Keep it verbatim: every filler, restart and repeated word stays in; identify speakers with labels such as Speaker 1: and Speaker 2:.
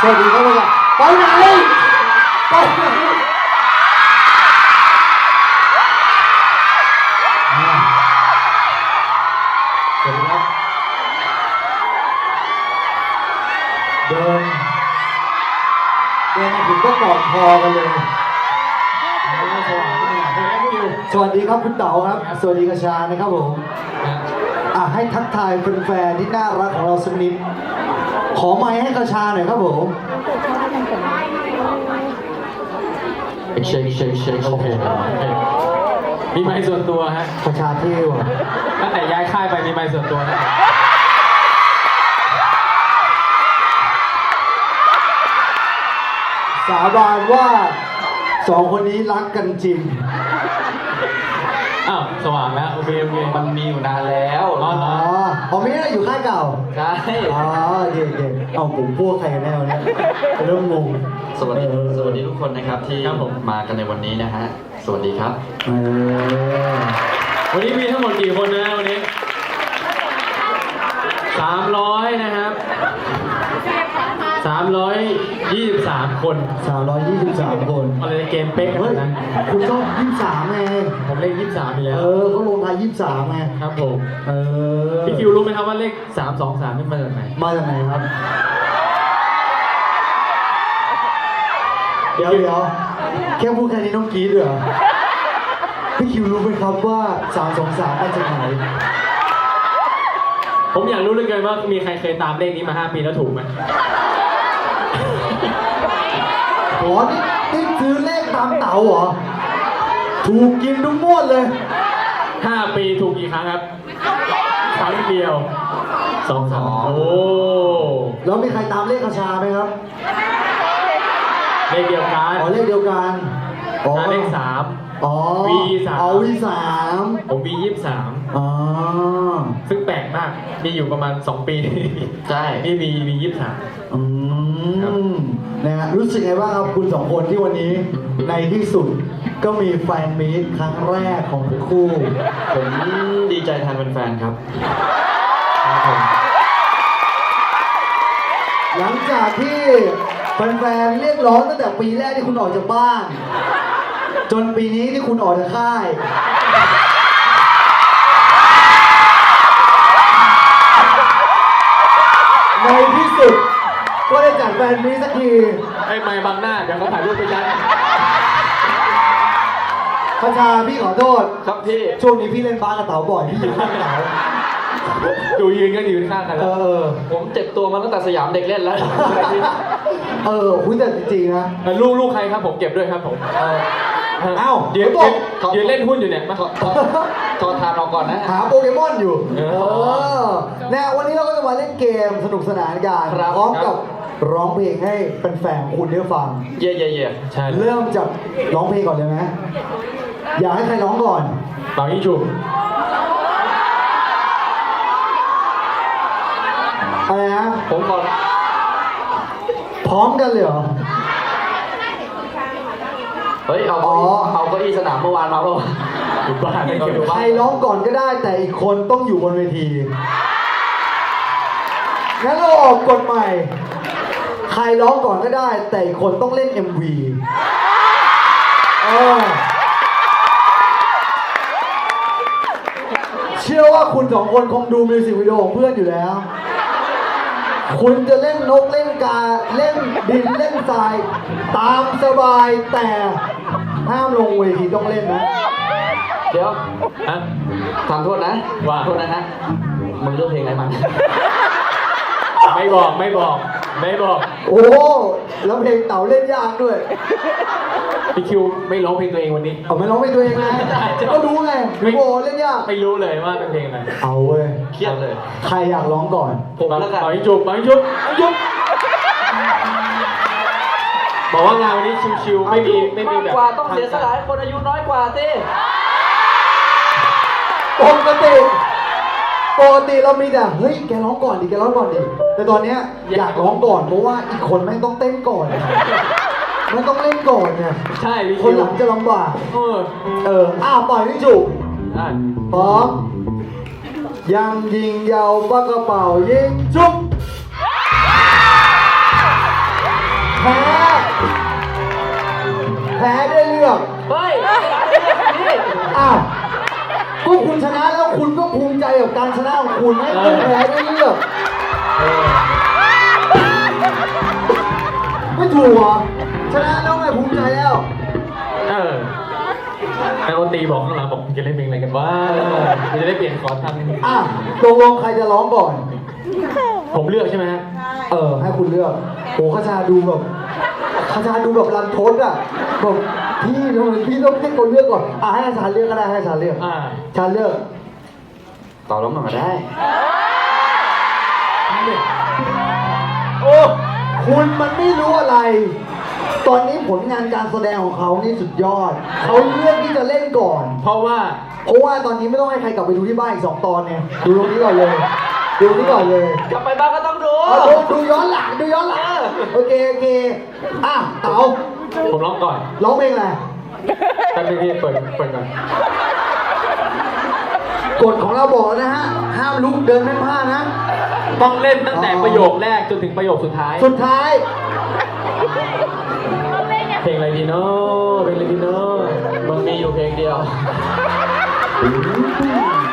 Speaker 1: สวัสดีครับพี่ไปไหนไปไหนสวัสดีครับเดินเดินมาถึงก็กอดคอกันเลยสวัสดีครับคุณเต๋าครับสวัสดีกระชานะครับผมอ่ะให้ทักทายแฟนๆที่น่ารักของเราสักนิดขอไมค์ให้กระชาหน่อยครับผม
Speaker 2: เช็คเช็คเช็คโอเคมีไมค์ส่วนตัวฮะ
Speaker 1: กระชาเที่ยว
Speaker 2: ตั้งแต่ย้ายค่ายไปมีไมค์ส่วนตัวนะ
Speaker 1: สาบานว่าสองคนนี้รักกันจริง
Speaker 2: อ้าวสว่างแล้วโอเคโอเค
Speaker 3: มันมีอยู่นานแล้ว
Speaker 1: อ๋ออ๋อไม่ได้อยู่ค่ายเก่า
Speaker 3: ใช่
Speaker 1: อ๋อโอเคโอเคเอาผมพวกใครกันแน่เนี่ยเริ่มงง
Speaker 3: สวัสดีสวัสดีทุกคนนะครับที่มากันในวันนี้นะฮะสวัสดีครับ
Speaker 2: วันนี้มีทั้งหมดกี่คนนะวันนี้สามร้อยนะครับสามร้อยยี่สิบสามคน
Speaker 1: สามร้อยยี่สิบสามคน
Speaker 2: อะไรเกมเป๊กกันนะ
Speaker 1: คุณชอบยี่สิบสามไง
Speaker 2: ผมเลขยี่สิบสามอยู่แล้ว
Speaker 1: เออเขาลงท้ายยี่สิบสามไง
Speaker 2: ครับผมเออพี่คิวรู้ไหมครับว่าเลขสามสองสามนี่มาจากไหน
Speaker 1: มาจากไหนครับเดี๋ยวเดี๋ยวแค่พูดแค่นี้น้องกรี๊ดเหรอพี่คิวรู้ไหมครับว่าสามสองสามมาจากไหน
Speaker 2: ผมอยากรู้เหลือเกินว่ามีใครเคยตามเลขนี้มาห้าปีแล้วถูกไหม
Speaker 1: โอ้นี่นี่ซื้อเลขตามเต๋าเหรอถูกกินทุกงวดเลย
Speaker 2: ห้าปีถูกกี่ครั้งครับครั้งเดียวสองสามโอ้
Speaker 1: แล้วมีใครตามเลขกระชาไหมครับ
Speaker 2: เลขเดียวกัน
Speaker 1: อ๋อเลขเดียวกัน
Speaker 2: อ๋อเลขสาม
Speaker 1: อ๋อ
Speaker 2: วีสาม
Speaker 1: อ๋อวีสาม
Speaker 2: ผมวียี่สิบสาม
Speaker 1: อ๋อ
Speaker 2: ซึ่งแปลกมากมีอยู่ประมาณสองปี
Speaker 3: ใช่
Speaker 2: นี่มีวียี่สิบสาม
Speaker 1: อืมนะฮะรู้สึกไงบ้างครับคุณสองคนที่วันนี้ในที่สุดก็มีแฟนมีตครั้งแรกของทั้งคู่
Speaker 3: ผมดีใจแทนแฟนๆครับ
Speaker 1: หลังจากที่แฟนๆเรียกร้องตั้งแต่ปีแรกที่คุณออกจากบ้านจนปีนี้ที่คุณออกจากค่ายในที่สุดก็ได้จัดแฟนมีตสักที
Speaker 2: ไอ้ไม่บังหน้าเดี๋ยวเขาถ่ายรูปไปยัน
Speaker 1: พระชาพี่ขอโทษ
Speaker 3: ครับพี่
Speaker 1: ช่วงนี้พี่เล่นบาสกับเต๋าบ่อยพี่อยู่ข้างเต๋า
Speaker 2: ดูยืนก็ยืนข้างกันแล้ว
Speaker 3: ผมเจ็บตัวมาตั้งแต่สยามเด็กเล่นแล้ว
Speaker 1: เออคุณแต่จริงๆนะ
Speaker 2: ลูกลูกใครครับผมเก็บด้วยครับผม
Speaker 1: อ้าว
Speaker 2: เดี๋ยวยืนเล่นหุ้นอยู่เนี่ยมา
Speaker 3: ถอดทานออกก่อนนะ
Speaker 1: หาโปเกมอนอยู่เออเนี่ยวันนี้เราก็จะมาเล่นเกมสนุกสนานกันพร้อมกับร้องเพลงให้แฟนๆคุณได้ฟัง
Speaker 3: เย่เย่เย่
Speaker 2: ใช่
Speaker 1: เริ่มจากร้องเพลงก่อนเลยไหมอยากให้ใครร้องก่อน
Speaker 2: เป่ายิงฉุบ
Speaker 1: อะไรนะ
Speaker 3: ผมก่อน
Speaker 1: พร้อมกันเลยเหรอ
Speaker 3: เฮ้ยเอาเอาเก้าอี้สนามเมื่อวานมาเมื่อวาน
Speaker 2: อยู่บ้าน
Speaker 1: ใครร้องก่อนก็ได้แต่อีกคนต้องอยู่บนเวทีงั้นเราออกกฎใหม่ใครร้องก่อนก็ได้แต่อีกคนต้องเล่น เอ็ม วี เออเชื่อว่าคุณสองคนคงดูมิวสิกวิดีโอของเพื่อนอยู่แล้วคุณจะเล่นนกเล่นกาเล่นดินเล่นทรายตามสบายแต่ห้ามลงเวทีต้องเล่นนะ
Speaker 3: เดี๋ยวทำโทษนะ
Speaker 2: ว่า
Speaker 3: โทษนะฮะมึงเลือกเพลงอะไรมา
Speaker 2: ไม่บอกไม่บอกไม่บอก
Speaker 1: โอ้แล้วเพลงเต๋าเล่นยากด้วย
Speaker 2: พี่คิวไม่ร้องเพลงตัวเองวันนี้
Speaker 1: เอาไม่ร้องเพลงตัวเองนะก็รู้ไงไม่โอ้เล่นยาก
Speaker 2: ไม่รู้เลยว่าเป็นเพลงอะไร
Speaker 1: เอาเว้ย
Speaker 3: เครียดเลย
Speaker 1: ใครอยากร้องก่อน
Speaker 3: ผมแล้วกัน
Speaker 2: ไปจุบไปจุบไปจุบบอกว่างานวันนี้ชิวๆไม่มีไม่มีแบบ
Speaker 3: กว่าต้องเสียสละให้คนอายุน้อยกว่าสิ
Speaker 1: ปกติปกติเรามีแต่เฮ้ยแกร้องก่อนดิแกร้องก่อนดิแต่ตอนเนี้ยอยากร้องก่อนเพราะว่าอีกคนแม่งต้องเต้นก่อนมันต้องเล่นก่อนเนี่ย
Speaker 2: ใช่
Speaker 1: คนหลังจะลำบาก
Speaker 2: เออ
Speaker 1: เอออ้าวปล่อยพี่จุกพร้อมยังยิงยาวปากกระเป๋ายิงจุกแพ้แพ้ได้เลือก
Speaker 2: เฮ้ยนี่
Speaker 1: อ้าวก็คุณชนะแล้วคุณก็ภูมิใจกับการชนะของคุณไหมคุณแพ้ได้เลือกไม่ถูกเหรอชนะแล้วไงภูมิใจแล้ว
Speaker 2: เออไอโอตีบอกข้างหลังบอกจะเล่นเพลงอะไรกันวะจะได้เปลี่ยนคอร์ดทัน
Speaker 1: อ่ะตกลงใครจะร้องก่อน
Speaker 2: ผมเลือกใช่ไหมฮะ
Speaker 1: เออให้คุณเลือกโหขชาดูแบบขชาดูแบบรันทดอ่ะแบบพี่ทำไมพี่ต้องให้คนเลือกก่อนอ่ะให้อาจารย์เลือกก็ได้ให้อาจารย์เลือก
Speaker 2: อ่า
Speaker 1: อาจารย์เลือก
Speaker 3: ต่อร้องหน่อยก็ได้
Speaker 1: โอ้คุณมันไม่รู้อะไร ตอนนี้ผลงานการแสดงของเขานี่สุดยอดเขาเลือกที่จะเล่นก่อน
Speaker 2: เพราะว่า
Speaker 1: เพราะว่าตอนนี้ไม่ต้องให้ใครกลับไปดูที่บ้านอีกสองตอนเนี่ยดูตรงนี้ก่อนเลยดูตรงนี้ก่อนเลย
Speaker 3: กลับไปบ้านก็ต้องดู
Speaker 1: เอาดูดูย้อนหลังดูย้อนหลังโอเคโอเคอ่ะเต๋า
Speaker 2: ผมร้องก่อน
Speaker 1: ร้องเพลงอะไร
Speaker 2: แป๊บนึงพี่เปิดเปิดก่อน
Speaker 1: กฎของเราบอกแล้วนะฮะห้ามลุกเดินไม่พลาดนะ
Speaker 2: ต้องเล่นตั้งแต่ประโยคแรกจนถึงประโยคสุดท้าย
Speaker 1: สุดท้าย
Speaker 2: เพลงอะไรดีเนาะเพลงอะไรดีเนาะมันมีอยู่เพลงเดียว